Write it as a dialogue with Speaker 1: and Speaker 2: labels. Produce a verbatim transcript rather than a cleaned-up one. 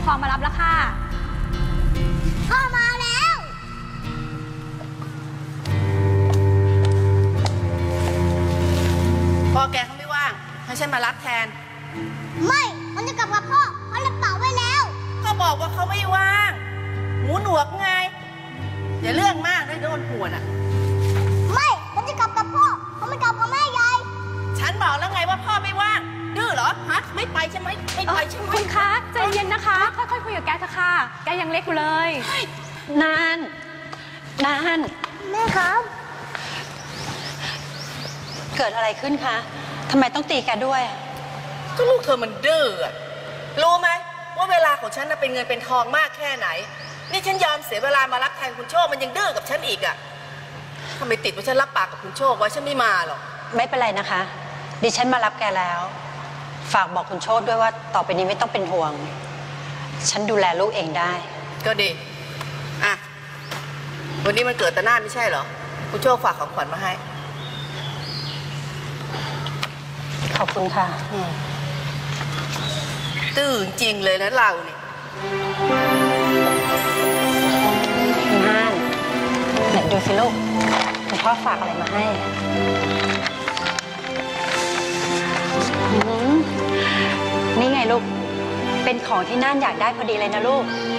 Speaker 1: ครองมารับแล้วค่ะพ่อมาแล้ว
Speaker 2: พ่อแกเขาไม่ว่างให้ฉันมารับแทน
Speaker 1: ไม่มันจะกลับกับพ่อเขารับเป่าไว้แล้ว
Speaker 2: ก็บอกว่าเขาไม่ว่างหูหนวกไงอย่าเรื่องมากนะโดนหัวน่ะ
Speaker 1: ไม่มันจะกลับกับพ่อเขาไม่กลับกับแม่ยาย
Speaker 2: ฉันบอกแล้วไงว่าพ่อไม่ว่างดื้อเหรอฮะไม่ไปใช่ไหมไม่ไปใช่ไหม
Speaker 3: คุณคะใจเย็นนะคะค่อยๆคุยกับแกเถอะค่ะแกยังเล็กอยู่เลยนานนาน
Speaker 1: แม่ครับ
Speaker 3: เกิดอะไรขึ้นคะทำไมต้องตีแกด้วย
Speaker 2: ก็ลูกเธอมันดื้อรู้ไหมว่าเวลาของฉันน่ะเป็นเงินเป็นทองมากแค่ไหนนี่ฉันยอมเสียเวลามารับแทนคุณโชคมันยังดื้อกับฉันอีกอ่ะทำไมติดว่าฉันรับปากกับคุณโชคไว้ฉันไม่มาหรอก
Speaker 3: ไม่เป็นไรนะคะดิฉันมารับแกแล้วฝากบอกคุณโชคด้วยว่าต่อไปนี้ไม่ต้องเป็นห่วงฉันดูแลลูกเองได้
Speaker 2: ก็ดีอ่ะวันนี้มันเกิดตะหน้าไม่ใช่เหรอคุณโชคฝากของขวัญมาให้
Speaker 3: ขอบคุณค่ะ
Speaker 2: ตื้อจริงเลยนะเราเนี่ย
Speaker 3: น่านไหนดูสิลูกคุณพ่อฝากอะไรมาให้นี่ไงลูกเป็นของที่น่านอยากได้พอดีเลยนะลูก